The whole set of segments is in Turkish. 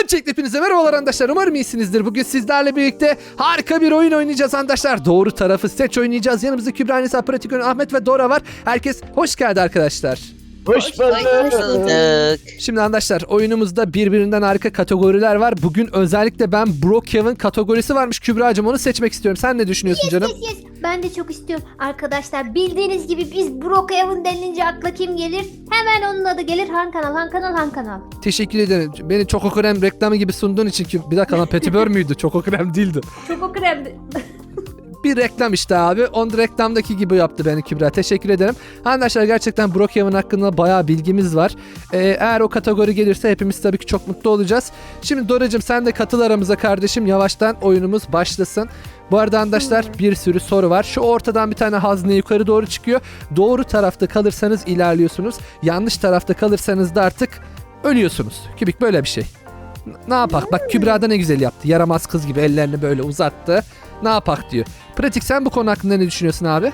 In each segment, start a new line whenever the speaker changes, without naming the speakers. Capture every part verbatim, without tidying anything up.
Öncelikle hepinize merhabalar arkadaşlar. Umarım iyisinizdir. Bugün sizlerle birlikte harika bir oyun oynayacağız arkadaşlar. Doğru tarafı seç oynayacağız. Yanımızda Kübra, Nisa, Pratik, Ön, Ahmet ve Dora var. Herkes hoş geldi arkadaşlar.
Hoş bulduk.
Şimdi arkadaşlar oyunumuzda birbirinden harika kategoriler var. Bugün özellikle ben Brookhaven kategorisi varmış. Kübra'cığım onu seçmek istiyorum. Sen ne düşünüyorsun canım?
Yes, yes. Ben de çok istiyorum. Arkadaşlar bildiğiniz gibi biz Brookhaven denilince akla kim gelir? Hemen onun adı gelir. Han kanal, han kanal, han kanal.
Teşekkür ederim. Beni Choco Krem reklamı gibi sunduğun için ki bir dakika lan Petibör müydü? Choco Krem değildi.
Çok o kremdi.
Bir reklam işte abi. Onu reklamdaki gibi yaptı beni Kübra. Teşekkür ederim. Arkadaşlar gerçekten Brookhaven hakkında bayağı bilgimiz var. Ee, eğer o kategori gelirse hepimiz tabii ki çok mutlu olacağız. Şimdi Doracığım sen de katıl aramıza kardeşim. Yavaştan oyunumuz başlasın. Bu arada arkadaşlar bir sürü soru var. Şu ortadan bir tane hazne yukarı doğru çıkıyor. Doğru tarafta kalırsanız ilerliyorsunuz. Yanlış tarafta kalırsanız da artık ölüyorsunuz. Kübik böyle bir şey. N- ne yapak? Bak Kübra da ne güzel yaptı. Yaramaz kız gibi ellerini böyle uzattı. Ne yapak diyor. Pratik sen bu konu hakkında ne düşünüyorsun abi?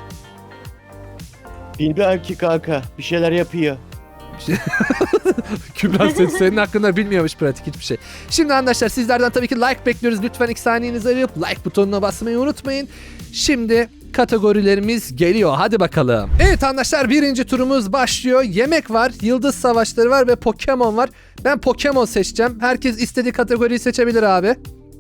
Bilmem ki kanka. Bir şeyler yapıyor.
Kübra sen, senin hakkında bilmiyormuş pratik hiçbir şey. Şimdi arkadaşlar sizlerden tabii ki like bekliyoruz. Lütfen iki saniyenizi ayırıp like butonuna basmayı unutmayın. Şimdi kategorilerimiz geliyor. Hadi bakalım. Evet arkadaşlar birinci turumuz başlıyor. Yemek var, yıldız savaşları var ve Pokemon var. Ben Pokemon seçeceğim. Herkes istediği kategoriyi seçebilir abi.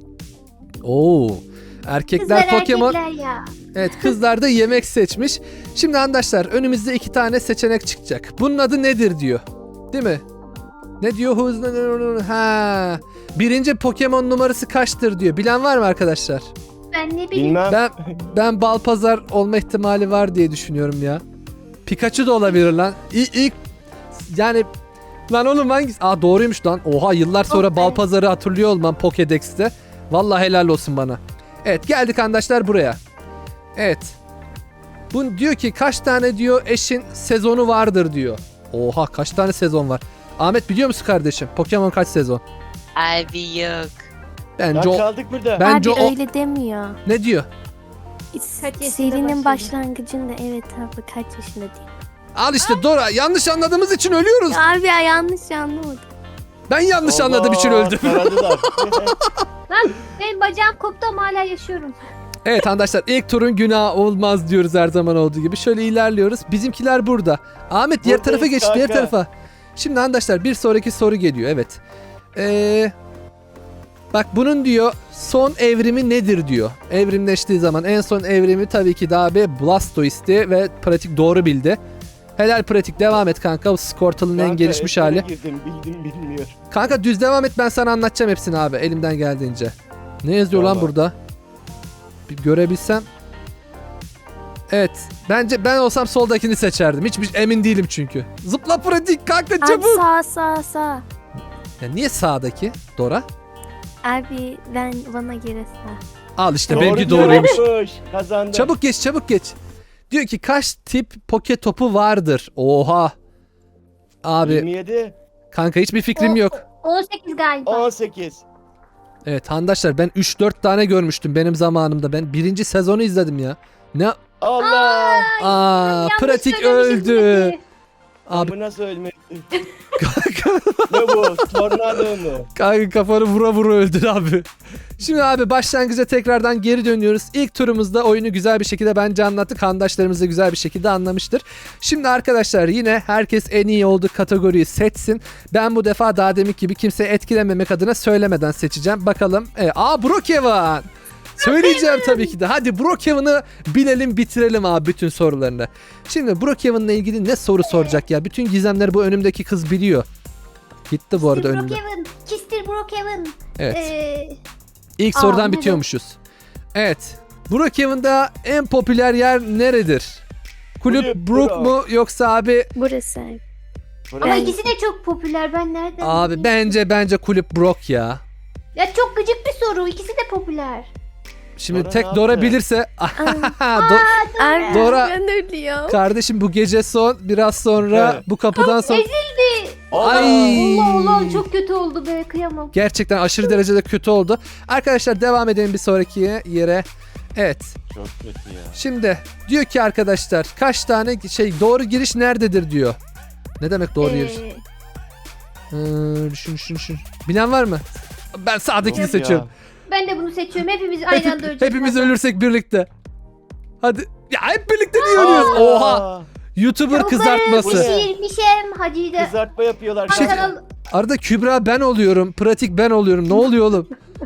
Oo. Erkekler
Kızlar
Pokemon.
erkekler ya.
Evet kızlar da yemek seçmiş. Şimdi arkadaşlar önümüzde iki tane seçenek çıkacak. Bunun adı nedir diyor. Değil mi? Ne diyor? Hızlı. Ha. Birinci Pokemon numarası kaçtır diyor. Bilen var mı arkadaşlar?
Ben ne bileyim.
Bilmem.
Ben ben Balpazar olma ihtimali var diye düşünüyorum ya. Pikachu da olabilir lan. İlk, ilk yani lan oğlum hangisi? Aa doğruymuş lan. Oha yıllar sonra
Oh be.
Balpazar'ı hatırlıyor olmam Pokédex'te. Vallahi helal olsun bana. Evet geldik arkadaşlar buraya. Evet. Bu diyor ki kaç tane diyor eşin sezonu vardır diyor. Oha kaç tane sezon var? Ahmet biliyor musun kardeşim? Pokemon kaç sezon?
Abi yok.
Lan
Bence o...
kaldık burada.
Bence
abi
o...
öyle demiyor.
Ne diyor?
Kaç yaşında
Serinin
başladı?
başlangıcında evet abi kaç yaşında diyor.
Al işte Dora yanlış anladığımız için ölüyoruz.
Abi ya yanlış anlamadım.
Ben yanlış
Allah,
anladığım için öldüm.
Karadılar.
Lan benim bacağım koptu ama hala yaşıyorum.
Evet arkadaşlar ilk turun günahı olmaz diyoruz her zaman olduğu gibi. Şöyle ilerliyoruz. Bizimkiler burada. Ahmet diğer
Buradayız
tarafa geç diğer
kanka.
tarafa. Şimdi arkadaşlar bir sonraki soru geliyor evet. Ee, bak bunun diyor son evrimi nedir diyor. Evrimleştiği zaman en son evrimi tabii ki daha bir Blastoise'ti ve pratik doğru bildi. Helal pratik devam et kanka. Squirtle'ın en
Kanka,
gelişmiş
ezbere
hali.
Girdim, bildim bilmiyor.
Kanka düz devam et ben sana anlatacağım hepsini abi elimden geldiğince. Ne yazıyor lan
Tamam.
burada? Bir görebilsem. Evet. Bence ben olsam soldakini seçerdim. Hiçbir emin değilim çünkü. Zıpla pratik kanka
Abi
çabuk.
sağ sağ sağ.
Ya niye sağdaki? Dora?
Abi ben bana göre sağ.
Al işte
Doğru
benimki doğruymuş.
diyormuş. Kazandı.
Çabuk geç çabuk geç. Diyor ki kaç tip poke topu vardır? Oha. Abi
yirmi yedi.
kanka hiçbir fikrim yok.
on sekiz galiba.
on sekiz.
Evet arkadaşlar ben üç dört tane görmüştüm benim zamanımda. Ben birinci sezonu izledim ya. Ne?
Allah.
Aa
Yanlış
pratik
söylemişim
öldü.
Pratik.
Abi
Bu nasıl ölmedi?
kanka,
Ne bu? Tornado mu?
kanka kafanı vura vura öldün abi. Şimdi abi başlangıca tekrardan geri dönüyoruz. İlk turumuzda oyunu güzel bir şekilde bence anlattık. Handaşlarımız da güzel bir şekilde anlamıştır. Şimdi arkadaşlar yine herkes en iyi olduğu kategoriyi seçsin. Ben bu defa daha demek gibi kimseyi etkilememek adına söylemeden seçeceğim. Bakalım. E, aa Brookhaven. Söyleyeceğim tabii ki de. Hadi Brookhaven'ı bilelim bitirelim abi bütün sorularını. Şimdi Brookhaven'la ilgili ne soru soracak ya? Bütün gizemleri bu önümdeki kız biliyor. Gitti bu arada
Kistir
önümde.
Brookhaven. Kistir Brookhaven.
Evet.
Ee,
İlk
Aa,
sorudan
bu
bitiyormuşuz. Evet. Brookhaven'da en popüler yer neredir? Kulüp
Kulüp
Brook
Brook.
mu yoksa abi
Burası abi.
ama
Burası.
ikisi de çok popüler. Ben nereden
abi
bileyim?
bence bence Kulüp Brook ya.
Ya çok gıcık bir soru. İkisi de popüler.
Şimdi
Dora
tek
ne
Dora
yaptı?
bilirse Do-
Abi
Dora-
ben ölüyorum.
kardeşim bu gece son biraz sonra
Evet.
bu kapıdan sonra
Ezildi.
Ay.
Allah Allah çok kötü oldu be kıyamam.
gerçekten aşırı derecede kötü oldu. Arkadaşlar devam edelim bir sonraki yere. Evet.
Çok kötü ya.
Şimdi diyor ki arkadaşlar kaç tane şey doğru giriş nerededir diyor. Ne demek doğru giriş?
Ee,
Ee, düşün düşün düşün. Bilen var mı? Ben sağdakini
Yok
seçiyorum.
Ben de bunu seçiyorum. Hepimiz aynı anda öleceğiz.
Hepimiz
zaten.
ölürsek birlikte. Hadi. Ya hep birlikte niye ölüyoruz?
Aa,
Oha. YouTuber
Tavukları
kızartması.
Pişirmişim hacıyı da.
Kızartma yapıyorlar.
Han
Şey-
kanal
Arada Kübra ben oluyorum. Pratik ben oluyorum. Ne oluyor oğlum?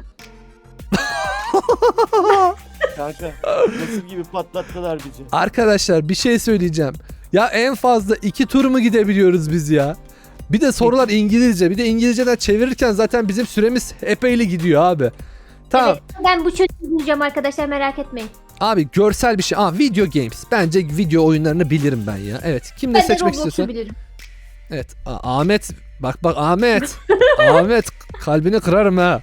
Kanka nasıl gibi patlattılar bizi.
Arkadaşlar bir şey söyleyeceğim. Ya en fazla iki tur mu gidebiliyoruz biz ya? Bir de sorular İngilizce. Bir de İngilizceden çevirirken zaten bizim süremiz epeyli gidiyor abi. Tamam.
Evet, ben bu çocuğu bulacağım arkadaşlar, merak etmeyin.
Abi görsel bir şey. Aa, video games. Bence video oyunlarını bilirim ben ya. Evet. Kim ne
Ben de
seçmek
Roblox'u
istiyorsa.
bilirim.
Evet. A- Ahmet. Bak bak Ahmet. Ahmet kalbini kırarım ha.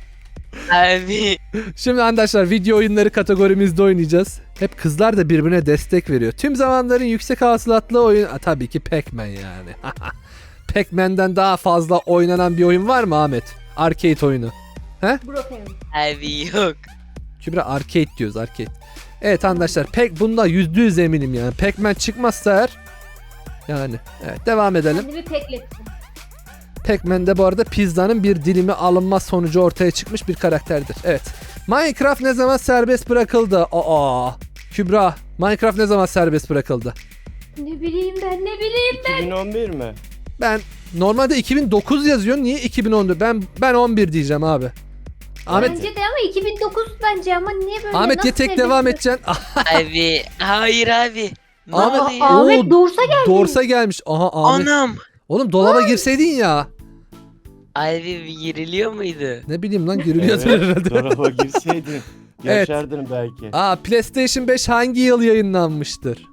Abi.
Şimdi arkadaşlar video oyunları kategorimizde oynayacağız. Hep kızlar da birbirine destek veriyor. Tüm zamanların yüksek hasılatlı oyun... Aa, tabii ki Pac-Man yani. Pac-Man'den daha fazla oynanan bir oyun var mı Ahmet? Arcade oyunu.
Brookhaven.
Abi yok.
Kübra arcade diyoruz arcade. Evet arkadaşlar pek bunda yüzde yüz eminim yani. Pac-Man çıkmazsa eğer yani evet devam edelim.
Kendimi peklettim.
Pac-Man'de bu arada pizzanın bir dilimi alınma sonucu ortaya çıkmış bir karakterdir. Evet. Minecraft ne zaman serbest bırakıldı? Aa. Kübra, Minecraft ne zaman serbest bırakıldı?
Ne bileyim ben, ne bileyim.
iki bin on bir mi?
Ben normalde iki bin dokuz yazıyor. Niye iki bin on? Ben ben on bir diyeceğim abi. Ahmet
Bence de ama iki bin dokuz bence, ama niye böyle?
Ahmet
nasıl
ya tek
serbest
devam
bırak-
edeceksin. Ah,
Abi. Hayır abi. Ne
Ahmet-
oluyor?
Oo,
Ahmet doğursa geldi.
Dorsa gelmiş. Aha Ahmet.
Anam.
Oğlum dolaba girseydin ya.
Abi bir giriliyor muydu?
Ne bileyim lan giriliyordur
Evet,
herhalde.
dolaba girseydin.
Evet.
Yaşardın belki.
Aa PlayStation beş hangi yıl yayınlanmıştır?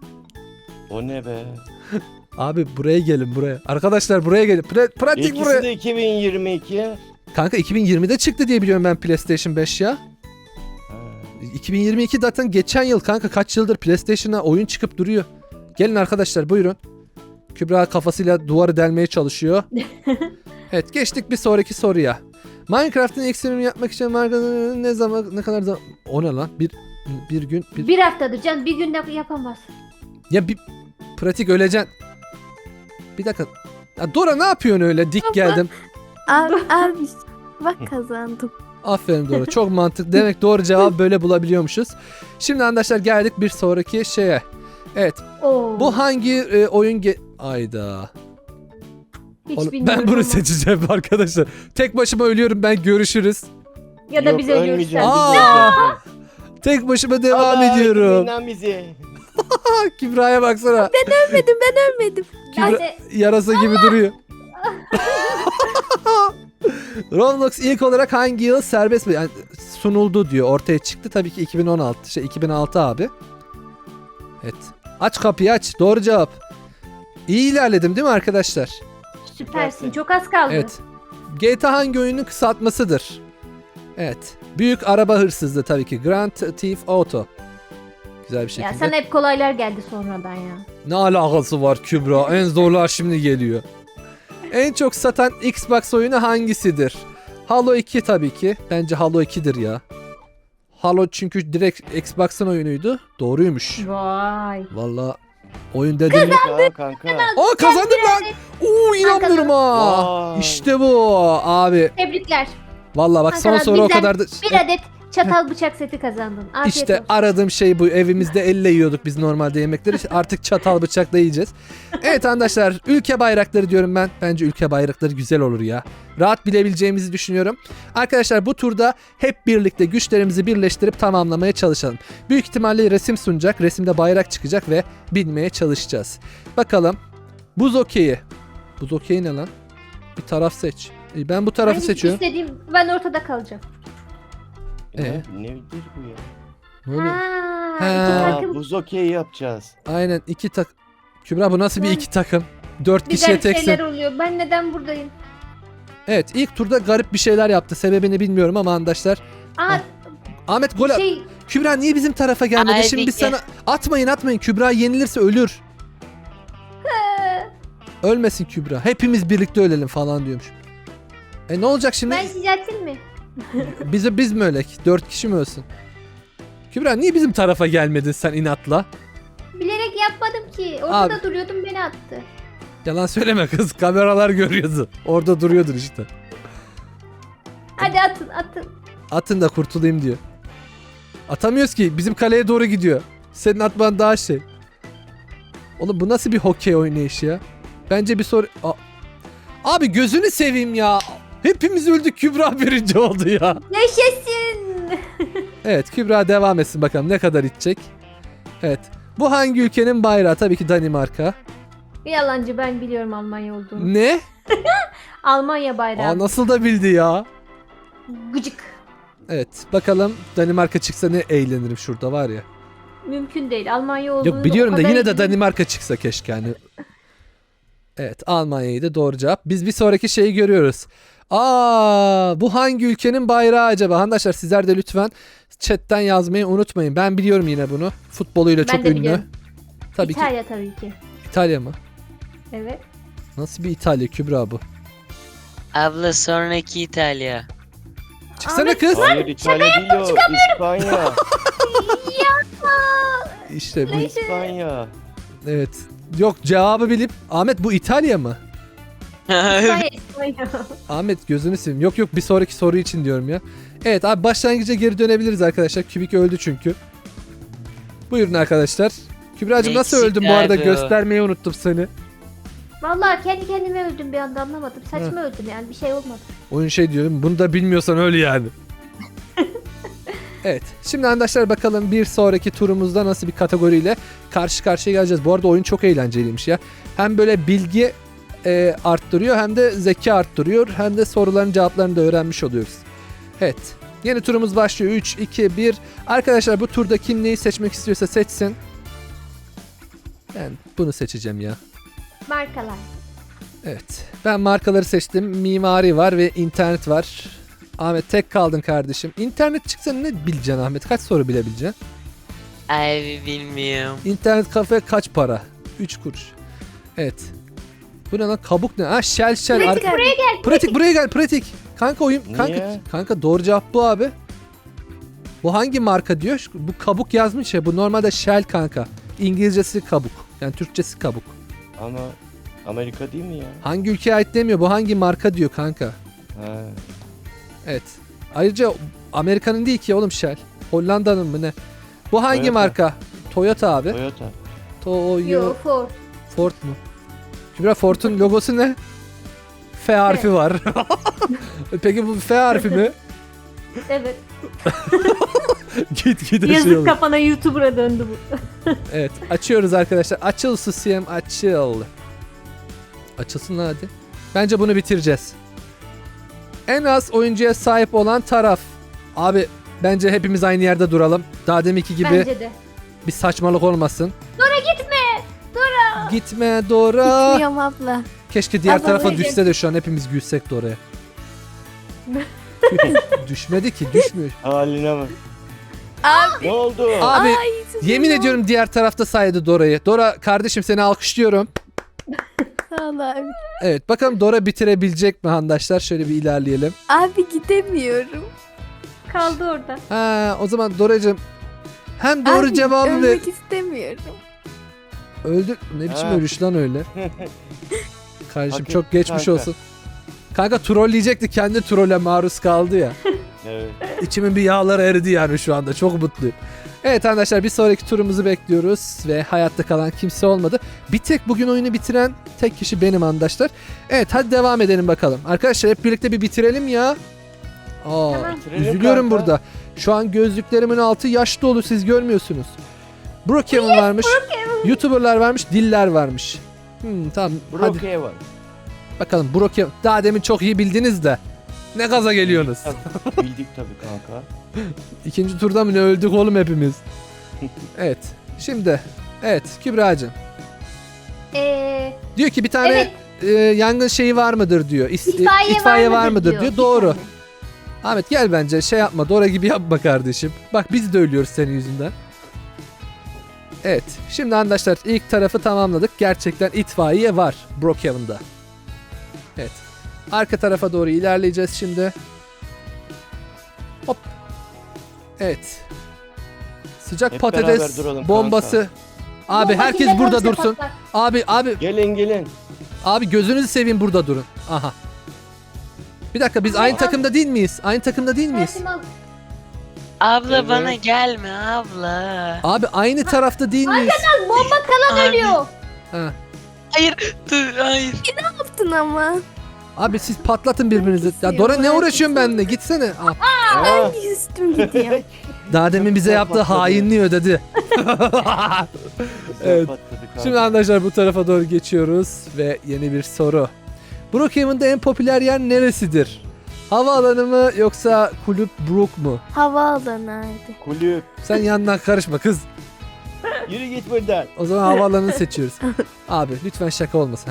O ne be?
Abi buraya gelin buraya. Arkadaşlar buraya gelin. Pra- pratik
İkisi
buraya.
de iki bin yirmi iki.
Kanka iki bin yirmide çıktı diye biliyorum ben PlayStation beş ya.
Ha.
iki bin yirmi iki zaten geçen yıl kanka, kaç yıldır PlayStation'a oyun çıkıp duruyor. Gelin arkadaşlar buyurun. Kübra kafasıyla duvarı delmeye çalışıyor. Evet geçtik bir sonraki soruya. Minecraft'ın ilk sürümünü yapmak için Minecraft'ın ne zaman ne kadar zaman... O ne lan? Bir bir gün bir...
Bir haftadır can, bir günde yapamaz.
Ya bir pratik öleceksin. Bir dakika. Ya Dora ne yapıyorsun öyle? Dik geldim.
Abi, abi bak kazandım.
Aferin Dora. Çok mantıklı. Demek doğru cevabı böyle bulabiliyormuşuz. Şimdi arkadaşlar geldik bir sonraki şeye. Evet.
Oo.
Bu hangi e, oyun ge... Ayda.
Hiç
Oğlum,
bilmiyorum
ben bunu
ama.
seçeceğim arkadaşlar. Tek başıma ölüyorum ben, görüşürüz.
Ya da
Yok,
biz ölüyoruz.
ölmeyeceğim,
sen.
biz
Aa!
öleceğiz.
Tek başıma devam
Allah,
ediyorum.
dinlen bizi.
Kübra'ya baksana.
Ölmedim ben ölmedim.
Ben
Kübra
de
yarasa gibi duruyor. Roblox ilk olarak hangi yıl serbest mi? Yani sunuldu diyor. Ortaya çıktı. Tabii ki iki bin on altı. Şey iki bin altı abi. Evet. Aç kapıyı aç. Doğru cevap. İyi ilerledim değil mi arkadaşlar?
süpersin. Çok az kaldı.
Evet. G T A hangi oyunun kısaltmasıdır? Evet. Büyük araba hırsızlığı tabii ki. Grand Theft Auto. Güzel bir şekilde.
Ya sana hep kolaylar geldi sonradan ya.
Ne alakası var Kübra? En zorlar şimdi geliyor. En çok satan Xbox oyunu hangisidir? Halo iki tabii ki. Bence Halo ikidir ya. Halo çünkü direkt Xbox'ın oyunuydu. Doğruymuş.
Vay.
Valla oyun dedim.
Aa, kanka.
Aa kazandım lan. Oo inanmıyorum ha.
Vay.
İşte bu abi.
Tebrikler.
Valla bak son
Hakan abi,
soru o
bizden
kadar da...
Bir adet çatal bıçak seti kazandın. Afiyet
İşte
olsun.
aradığım şey bu. Evimizde elle yiyorduk biz normalde yemekleri. Artık çatal bıçakla yiyeceğiz. Evet arkadaşlar, ülke bayrakları diyorum ben. Bence ülke bayrakları güzel olur ya. Rahat bilebileceğimizi düşünüyorum. Arkadaşlar bu turda hep birlikte güçlerimizi birleştirip tamamlamaya çalışalım. Büyük ihtimalle resim sunacak. Resimde bayrak çıkacak ve bilmeye çalışacağız. Bakalım. Buz okeyi. Buz okeyi ne lan? Bir taraf seç. İyi, ben bu tarafı
Hangisi
seçiyorum.
istediğim, ben ortada kalacağım.
Ee?
Ne, nedir bu ya?
Ne oluyor?
Ha,
Ha.
iki
Aa,
takım
buz okey yapacağız.
Aynen iki tak. Kübra bu nasıl bir
Ben-
iki takım? Dört
bir
kişiye
garip
teksin.
şeyler oluyor. Ben neden buradayım?
Evet ilk turda garip bir şeyler yaptı. Sebebini bilmiyorum ama arkadaşlar.
Aa,
Ahmet gol at.
şey
Kübra niye bizim tarafa gelmedi?
Ay,
Şimdi biz
peki.
sana atmayın atmayın. Kübra yenilirse ölür. Ölmesin Kübra. Hepimiz birlikte ölelim falan diyormuş. E ne olacak şimdi?
ben sizi atayım mı?
Bize biz mi ölek? Dört kişi mi ölsün? Kübra niye bizim tarafa gelmedin sen inatla?
Bilerek yapmadım ki. Ortada
Abi.
duruyordum, beni attı.
Yalan söyleme kız. Kameralar görüyordu. Orada duruyordun işte.
Hadi atın atın.
Atın da kurtulayım diyor. Atamıyoruz ki. Bizim kaleye doğru gidiyor. Senin atman daha şey. Oğlum bu nasıl bir hokey oynayışı ya? Bence bir soru... A- Abi gözünü seveyim ya. Hepimiz öldük. Kübra birinci oldu ya.
Yaşasın.
Evet, Kübra devam etsin bakalım ne kadar itecek. Evet. Bu hangi ülkenin bayrağı? Tabii ki Danimarka.
Yalancı, ben biliyorum Almanya olduğunu.
Ne?
Almanya bayrağı.
Aa, nasıl da bildi ya?
Gıcık.
Evet, bakalım Danimarka çıksa ne eğlenirim şurada var ya.
Mümkün değil. Almanya olduğunu
Yok biliyorum
o
da
kadar
yine de
iyi-
Danimarka çıksa keşke hani. Evet, Almanya'yı da doğru cevap. Biz bir sonraki şeyi görüyoruz. Aa, bu hangi ülkenin bayrağı acaba? Arkadaşlar sizler de lütfen chatten yazmayı unutmayın. Ben biliyorum yine bunu. Futboluyla
Ben
çok
de
ünlü.
biliyorum.
Tabii ki
İtalya tabii ki.
İtalya mı?
Evet.
Nasıl bir İtalya Kübra bu?
Abla sonraki İtalya.
Çıksana
Ahmet,
kız.
Hayır İtalya değil o. İspanya.
İşte bu.
İspanya.
Evet. Yok cevabı bilip Ahmet bu İtalya mı?
İspanya, İspanya.
Ahmet gözünü seveyim. Yok yok bir sonraki soru için diyorum ya. Evet abi başlangıca geri dönebiliriz arkadaşlar. Kübik öldü çünkü. Buyurun arkadaşlar. Kübra'cığım nasıl
Eksik
öldün bu arada?
abi o.
Göstermeyi unuttum seni.
Vallahi kendi kendime öldüm bir anda, anlamadım. Saçma öldüm yani, bir şey olmadı.
Oyun şey diyorum. Bunu da bilmiyorsan öyle yani. Evet. Şimdi arkadaşlar bakalım bir sonraki turumuzda nasıl bir kategoriyle karşı karşıya geleceğiz. Bu arada oyun çok eğlenceliymiş ya. Hem böyle bilgi e, arttırıyor hem de zeka arttırıyor. Hem de soruların cevaplarını da öğrenmiş oluyoruz. Evet. Yeni turumuz başlıyor. üç, iki, bir. Arkadaşlar bu turda kim neyi seçmek istiyorsa seçsin. Ben bunu seçeceğim ya.
Markalar.
Evet. Ben markaları seçtim. Mimari var ve internet var. Ahmet tek kaldın kardeşim. İnternet çıksa ne bileceksin Ahmet? Kaç soru bilebileceksin?
Abi bilmiyorum.
İnternet kafe kaç para? üç kuruş. Evet. Bu ne lan? Kabuk ne? Ha Shell Shell.
Pratik
Ar-
buraya gel.
pratik buraya gel pratik. Kanka oyun. Kanka,
Niye?
kanka doğru cevap bu abi. Bu hangi marka diyor? Bu kabuk yazmış ya. Bu normalde Shell kanka. İngilizcesi kabuk. Yani Türkçesi kabuk.
Ama Amerika değil mi ya?
Hangi ülkeye ait demiyor. Bu hangi marka diyor kanka.
Ha.
Evet. Ayrıca Amerika'nın değil ki oğlum Shell. Hollanda'nın mı ne? Bu hangi
Toyota.
marka? Toyota abi.
Toyota.
Toyo
Yo, Ford.
Ford mu? Kübra Ford'un logosu ne? F harfi var. Peki bu F harfi mi?
Evet.
Git gide şey
Yazık
olur.
kafana, YouTuber'a döndü bu.
Evet açıyoruz arkadaşlar. Açıl susiyem açıl. Açılsın lan hadi. Bence bunu bitireceğiz. En az oyuncuya sahip olan taraf. Abi bence hepimiz aynı yerde duralım. Daha deminki gibi
Bence de.
bir saçmalık olmasın.
Dora gitme. Dora.
Gitme Dora.
Gitmiyorum abla.
Keşke diğer
Abla
tarafa
öyle.
düşse de şu an hepimiz gülsek de oraya. Düşmedi ki düşmüyor.
Haline bak.
Abi.
Ne oldu?
Abi
Ay,
yemin
canım.
ediyorum diğer tarafta saydı Dora'yı. Dora kardeşim seni alkışlıyorum.
Sağ ol abi.
Evet bakalım Dora bitirebilecek mi arkadaşlar? Şöyle bir ilerleyelim.
Abi gidemiyorum.
Kaldı orada.
Ha o zaman Dora'cığım hem doğru
Abi,
cevabı ver.
ölmek istemiyorum.
Öldü. Ne biçim
Ha.
ölüş lan öyle? Kardeşim
Hak
çok
etti
geçmiş
kanka.
olsun. Kanka trolleyecekti, kendi trolle maruz kaldı ya.
Evet.
İçimin bir yağları eridi yani şu anda. Çok mutluyum. Evet arkadaşlar bir sonraki turumuzu bekliyoruz ve hayatta kalan kimse olmadı. Bir tek bugün oyunu bitiren tek kişi benim arkadaşlar. Evet hadi devam edelim bakalım. Arkadaşlar hep birlikte bir bitirelim ya. Aa,
Tamam.
Bitirelim
üzülüyorum
kanka.
burada. Şu an gözlüklerimin altı yaş dolu, siz görmüyorsunuz. Brookhaven varmış. YouTuber'lar varmış, diller varmış. Hmm, tamam hadi
Brookhaven var.
bakalım Brookhaven. Daha demin çok iyi bildiniz de. Ne gaza geliyorsunuz?
Tabii, bildik tabii kanka.
İkinci turda mı ne öldük oğlum hepimiz? Evet. Şimdi evet Kübra'cığım.
Ee,
Diyor ki bir tane
evet.
e, yangın şeyi var mıdır diyor. İs-
İtfaiye,
itfaiye var mıdır diyor.
Bir
Doğru.
tane.
Ahmet gel bence şey yapma. Dora gibi yapma kardeşim. Bak biz de ölüyoruz senin yüzünden. Evet. Şimdi arkadaşlar ilk tarafı tamamladık. Gerçekten itfaiye var Brookhaven'da. Evet. Arka tarafa doğru ilerleyeceğiz şimdi. Hop. Evet. Sıcak
Hep
patates
beraber duralım
bombası. Abi
Bomba
herkes
kimde
burada
varsa
dursun.
patlar.
Abi abi
Gelin gelin.
abi gözünüzü seveyim burada durun. Aha. Bir Bir dakika biz aynı takımda değil miyiz? Aynı takımda değil miyiz?
Tersim al.
Abla
Evet.
bana gelme abla.
Abi aynı tarafta değil miyiz?
Bomba kalan
Abi.
ölüyor.
Ha.
Hayır dur hayır.
Yaptın ama.
Abi siz patlatın birbirinizi. Ya Dora ne uğraşıyorsun benimle? Gitsene. Aa,
Aa,
Üstüm gidiyor.
daha demin bize yaptığı
Patladı.
hainliği ödedi.
güzel
Evet.
patladı kanka.
Şimdi arkadaşlar bu tarafa doğru geçiyoruz ve yeni bir soru. Brookhaven'da en popüler yer neresidir? Havaalanı mı yoksa kulüp Brook mu?
Havaalanı hadi.
Kulüp.
Sen yandan karışma kız.
Yürü git buradan.
O zaman havaalanını seçiyoruz. Abi lütfen şaka olmasın.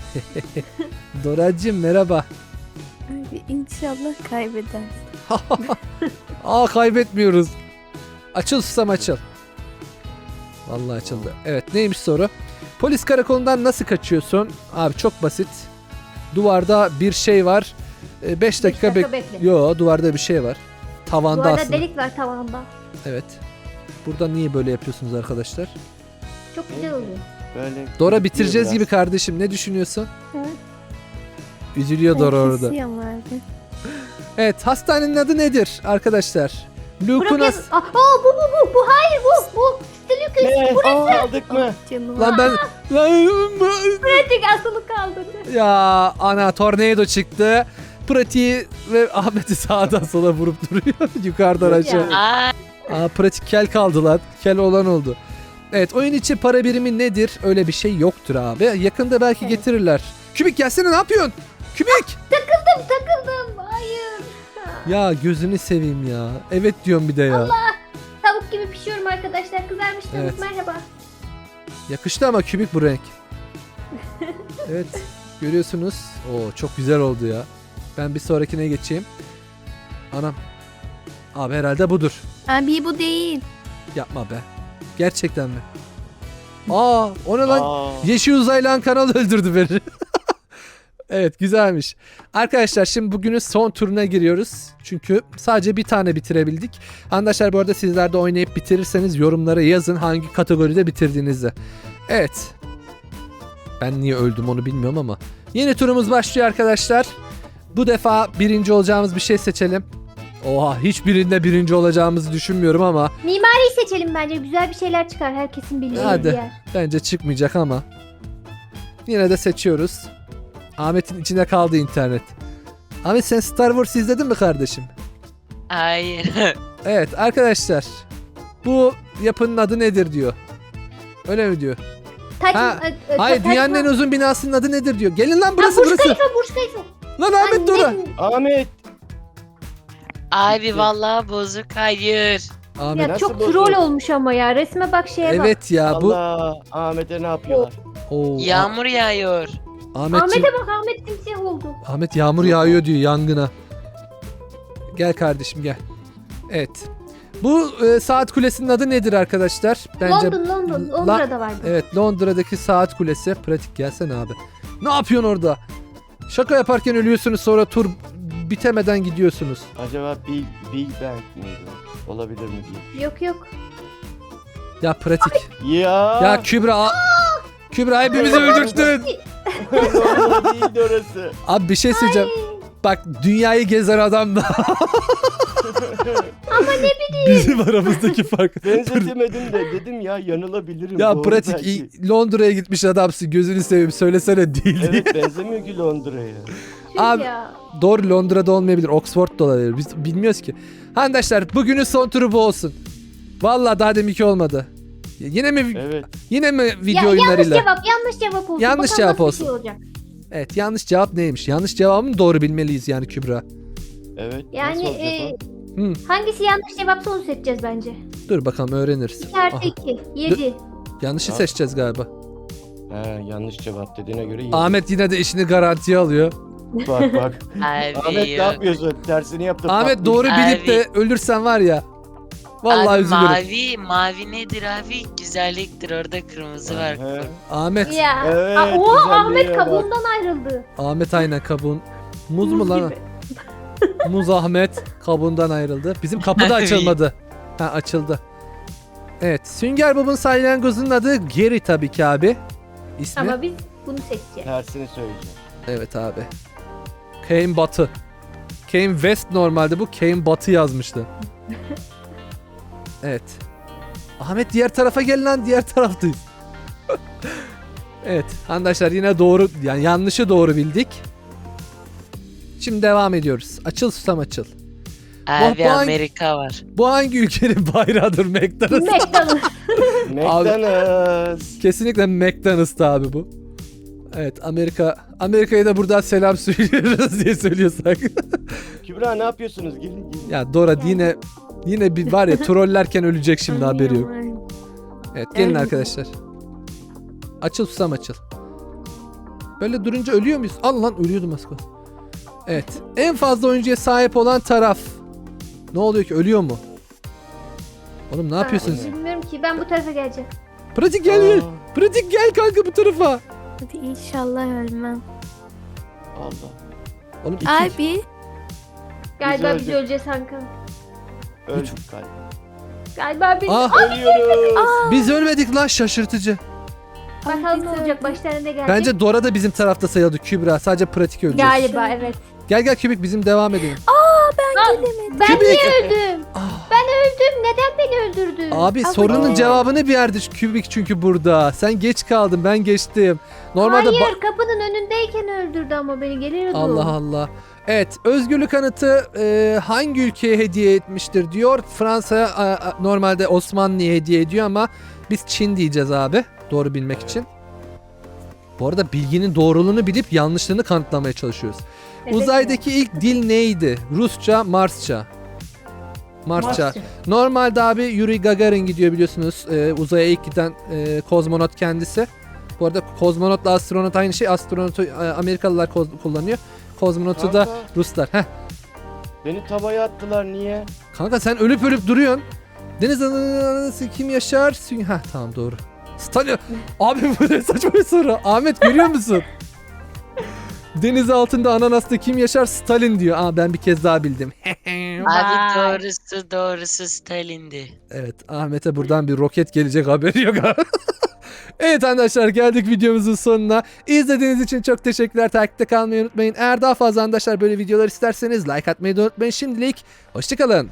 Doracığım merhaba.
Abi inşallah kaybeder.
Aa kaybetmiyoruz. Açıl susam açıl. Vallahi açıldı. Evet neymiş soru? Polis karakolundan nasıl kaçıyorsun? Abi çok basit. Duvarda bir şey var. beş dakika,
dakika
bek...
bekle.
Yo duvarda bir şey var. Tavanda
Bu arada
aslında.
delik var tavanda.
Evet. Burada niye böyle yapıyorsunuz arkadaşlar?
Çok güzel oluyor.
Böyle
Dora bitireceğiz
biraz.
gibi kardeşim. Ne düşünüyorsun?
Evet.
Üzülüyor Dora orada.
Kesiyorum abi.
Evet hastanenin adı nedir arkadaşlar? Luke'un
Bırak
has-
ya. Aa, aa, bu bu bu. Bu hayır bu. Bu. Stilukes.
Ne? Aldık mı?
Canım.
Lan ben... Lan-
Pratik asılı kaldı.
Ya ana tornado çıktı. Pratiği ve Ahmet'i sağdan sola vurup duruyor. Yukarıdan aşağı.
Ya.
Aa,
Aa pratik kel kaldı lan. Kel olan oldu. Evet oyun içi para birimi nedir? Öyle bir şey yoktur abi. Yakında belki
Evet.
getirirler. Kübik gelsene ne yapıyorsun? Kübik!
Takıldım takıldım. Hayır.
Ya gözünü seveyim ya. Evet diyorum bir de ya.
Tavuk gibi pişiyorum arkadaşlar. Kızarmış tavuk
Evet.
merhaba.
Yakıştı ama kübik bu renk. Evet görüyorsunuz. Oo çok güzel oldu ya. Ben bir sonrakine geçeyim. Anam. Abi herhalde budur.
Abi bu değil.
Yapma be. Gerçekten mi? Aa o ne lan?
Aa,
Yeşil uzaylan kanal öldürdü beni. Evet güzelmiş. Arkadaşlar şimdi bugünün son turuna giriyoruz. Çünkü sadece bir tane bitirebildik. Arkadaşlar bu arada sizler de oynayıp bitirirseniz yorumlara yazın hangi kategoride bitirdiğinizi. Evet. Ben niye öldüm onu bilmiyorum ama. Yeni turumuz başlıyor arkadaşlar. Bu defa birinci olacağımız bir şey seçelim. Oha hiçbirinde birinci olacağımızı düşünmüyorum ama
Mimariyi seçelim bence. Güzel bir şeyler çıkar. Herkesin bildiği
Hadi.
bir yer.
bence çıkmayacak ama. Yine de seçiyoruz. Ahmet'in içine kaldı internet. Ahmet sen Star Wars izledin mi kardeşim?
hayır.
Evet arkadaşlar. Bu yapının adı nedir diyor. Öyle mi diyor?
Taç,
Ha,
e, e,
Hayır
taç-
dünyanın en uzun binasının adı nedir diyor. Gelin lan
Ha,
burası
Burj
burası.
Khalifa, Burj Khalifa.
Lan Ahmet Dora.
Annem-
Ahmet.
Abi vallahi bozuk hayır.
Ahmet.
Ya
Nasıl
çok
bozuldu?
troll olmuş ama ya. Resme bak şeye bak.
Evet ya bu.
Allah. Ahmet'e ne yapıyorlar?
Oo,
Yağmur yağıyor.
Ahmetciğim,
Ahmet'e bak Ahmet simsiyah oldu.
Ahmet yağmur yağıyor diyor yangına. Gel kardeşim gel. Evet. Bu e, saat kulesinin adı nedir arkadaşlar? Bence
London London.
La-
Londra'da vardı.
evet Londra'daki saat kulesi. Pratik gelsene abi. Ne yapıyorsun orada? Şaka yaparken ölüyorsunuz sonra tur bitemeden gidiyorsunuz.
Acaba Big, Big Bang miydi? Olabilir mi diye.
Yok yok.
Ya pratik.
Ya.
Ya Kübra. Kübra hepimizi öldürttün.
Orada değildi orası.
Abi bir şey söyleyeceğim. Bak dünyayı gezen adam da. Ama ne bileyim. Bizim aramızdaki fark.
Benzetemedim de dedim ya yanılabilirim.
Ya
Doğru
pratik
belki.
iyi- Londra'ya gitmiş adamsın gözünü seveyim söylesene değil diye.
Evet benzemiyor ki Londra'ya.
Tüh
Abi-
ya.
Doğru Londra'da olmayabilir Oxford'da olabilir biz bilmiyoruz ki. Arkadaşlar bugünün son turu bu olsun. Vallahi daha deminki olmadı. Yine mi
Evet.
yine mi video
Ya, yanlış
oyunlarıyla?
cevap yanlış cevap olsun.
Yanlış
Bakalım
cevap
nasıl bir
olsun.
Şey olacak.
Evet yanlış cevap neymiş? Yanlış cevabı mı doğru bilmeliyiz yani Kübra?
Evet.
Yani
nasıl olacak
e,
o?
Hı.
hangisi yanlış cevapsa onu seçeceğiz bence.
Dur bakalım öğreniriz.
iki artı
Aha,
iki. yedi.
yanlışı
Ha.
seçeceğiz galiba.
He, yanlış cevap dediğine göre iyi.
Ahmet yine de işini garantiye alıyor.
Bak bak.
Abi
Ahmet ne
yok.
yapıyorsun? Tersini yaptın.
Ahmet
patlayacak.
doğru bilip
Abi.
de ölürsen var ya. Vallahi
Abi
üzülürüm.
mavi, mavi nedir abi? Güzelliktir orada kırmızı var.
He.
Ahmet.
Ya.
Evet,
Aa, oha
güzelliğe
Ahmet
bak.
kabuğundan ayrıldı.
Ahmet aynen kabuğun. Muz mu
Muz
lan?
gibi.
Muz Ahmet kabuğundan ayrıldı. Bizim kapı da açılmadı. Ha açıldı. Evet. Sünger Bob'un salyangozunun adı Gary tabii ki abi. İsmi.
Ama biz bunu seçeceğiz.
Tersini söyleyeceğim.
Evet abi. Kane Batı. Kane West normalde bu. Kane Batı yazmıştı. Evet. Ahmet diğer tarafa gel lan, diğer taraftayız. Evet arkadaşlar yine doğru yani yanlışı doğru bildik. Şimdi devam ediyoruz. Açıl susam açıl.
Abi
bu hangi-
Amerika var.
Bu hangi ülkenin bayrağıdır? McDonald's.
McDonald's.
McDonald's.
Kesinlikle McDonald's'tı abi bu. Evet Amerika. Amerika'ya da buradan selam söylüyoruz diye söylüyorsak.
Kübra ne yapıyorsunuz? Gelin gelin.
Ya Dora yine yine bir var ya trollerken ölecek şimdi haberi yok.
Anlıyorum.
Evet gelin
Evet.
arkadaşlar. Açıl susam açıl. Böyle durunca ölüyor muyuz? Al lan ölüyordum az kalsın. Evet. En fazla oyuncuya sahip olan taraf. Ne oluyor ki? Ölüyor mu? Oğlum ne yapıyorsunuz?
Bilmiyorum ki ben bu tarafa geleceğim.
Pratik gel gel.
Aa,
Pratik gel kanka bu tarafa.
Hadi inşallah ölmem.
Allah.
Oğlum iki.
Abi
Galiba biz
öldük.
öleceğiz Hakan.
Öldük galiba.
Galiba biz.
Ah
Ölüyoruz.
biz ölmedik lan, şaşırtıcı.
Bakalım
Abi
ne
biz
olacak
öldük.
başlarına gelecek.
Bence Dora da bizim tarafta sayıldı Kübra. Sadece pratik ölecek.
Galiba evet.
Gel gel Kübik bizim devam edelim.
Ben
Kübik.
niye öldüm?
Ah.
Ben öldüm. Neden beni öldürdün?
Abi
Ama-
sorunun cevabını bir yerde Kübik çünkü burada. Sen geç kaldın, ben geçtim. Normalde ba-
Hayır kapının önündeyken öldürdü ama beni geliyordu.
Allah Allah. Evet, özgürlük anıtı e, hangi ülkeye hediye etmiştir diyor. Fransa a, a, normalde Osmanlı'ya hediye ediyor ama biz Çin diyeceğiz abi. Doğru bilmek için. Bu arada bilginin doğruluğunu bilip yanlışlığını kanıtlamaya çalışıyoruz.
Evet,
Uzaydaki ilk dil neydi? Rusça, Marsça. Marsça.
Marsça.
Normalde abi Yuri Gagarin gidiyor biliyorsunuz. Ee, uzaya ilk giden e, kozmonot kendisi. Bu arada kozmonotla astronot aynı şey. Astronotu e, Amerikalılar koz- kullanıyor. Kozmonotu da
Kanka,
Ruslar. Heh.
beni tavaya attılar niye?
Kanka sen ölüp ölüp duruyorsun. Deniz anası kim yaşar? Sü- Heh tamam doğru. Stalin. Abi bu ne saçma bir soru. Ahmet görüyor musun? Deniz altında ananasta kim yaşar? Stalin diyor. Aa ben bir kez daha bildim.
Abi
Vay.
doğrusu doğrusu Stalin'di.
Evet Ahmet'e buradan bir roket gelecek haberi yok. Evet arkadaşlar geldik videomuzun sonuna. İzlediğiniz için çok teşekkürler. Takipte kalmayı unutmayın. Eğer daha fazla arkadaşlar böyle videolar isterseniz like atmayı da unutmayın. Şimdilik hoşçakalın.